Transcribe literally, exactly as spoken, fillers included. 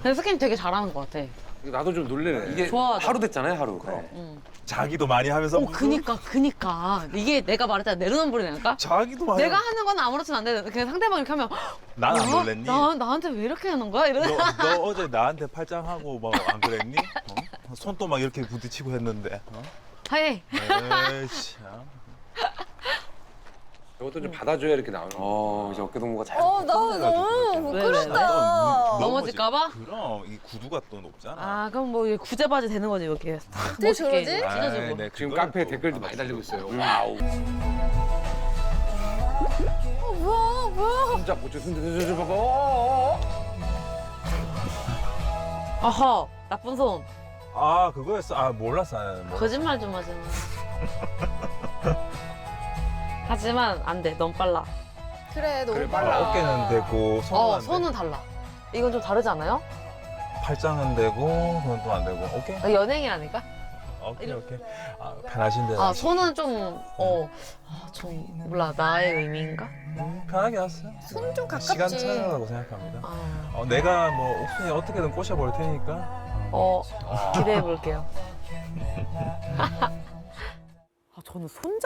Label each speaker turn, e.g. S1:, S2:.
S1: 근데 스킨 되게 잘하는 것 같아.
S2: 나도 좀 놀래네. 이게
S1: 좋아하죠.
S2: 하루 됐잖아요, 하루. 네.
S1: 응.
S3: 자기도 많이 하면서.
S1: 어, 그니까, 그니까. 이게 내가 말했잖아. 내로남불이라니까?
S3: 자기도 많이.
S1: 내가 하는 건 아무렇지도 않은데 그냥 상대방이 이렇게 하면
S3: 난 안
S1: 어?
S3: 놀랬니?
S1: 나, 나한테 왜 이렇게 하는 거야? 이러면
S3: 너, 너 어제 나한테 팔짱하고 막 안 그랬니? 어? 손도 막 이렇게 부딪히고 했는데. 어?
S1: 하이.
S3: 에이씨. 아.
S2: 저것도 좀 받아줘야 이렇게 나오는 거.
S4: 어, 이제 어깨 동무가 잘.
S5: 어, 나 너무
S1: 왜, 왜, 왜?
S5: 부끄럽다.
S3: 너
S1: 넘어질까 봐?
S3: 그럼 이 구두가 또 높잖아.
S1: 아, 그럼 뭐 이게 구제바지 되는 거지, 이렇게.
S5: 어떻게
S1: 멋있게
S5: 저러지?
S3: 아이,
S1: 찢어지고.
S3: 네,
S2: 지금
S3: 그거는
S2: 카페에
S3: 또
S2: 댓글도 많이 달리고 있어요. 와우.
S5: 어, 뭐야, 뭐야.
S2: 혼자 고쳐 손 봐봐. 어, 어, 어.
S1: 어허, 나쁜 손.
S3: 아 그거였어. 아 몰랐어. 아, 몰랐어.
S1: 거짓말 좀 하지 마. 하지만 안 돼, 너무 빨라.
S5: 그래, 너무
S2: 그래,
S5: 빨라.
S2: 빨라.
S3: 어깨는 되고 손은
S1: 어,
S3: 안 돼.
S1: 손은 달라. 이건 좀 다르지 않아요?
S3: 팔짱은 되고 그건 또 안 되고. 오케이.
S1: 어, 연예인이라니까?
S3: 오케이 오케이. 아, 편하신데.
S1: 아, 손은 좀, 어, 아, 좀, 몰라, 나의 의미인가?
S3: 음, 편하게 왔어요.
S5: 손 좀 가깝지.
S3: 시간 차이라고 생각합니다.
S1: 아,
S3: 어, 내가 뭐 옥순이 어떻게든 꼬셔볼 테니까.
S1: 어, 기대해 볼게요. 아, 저는 손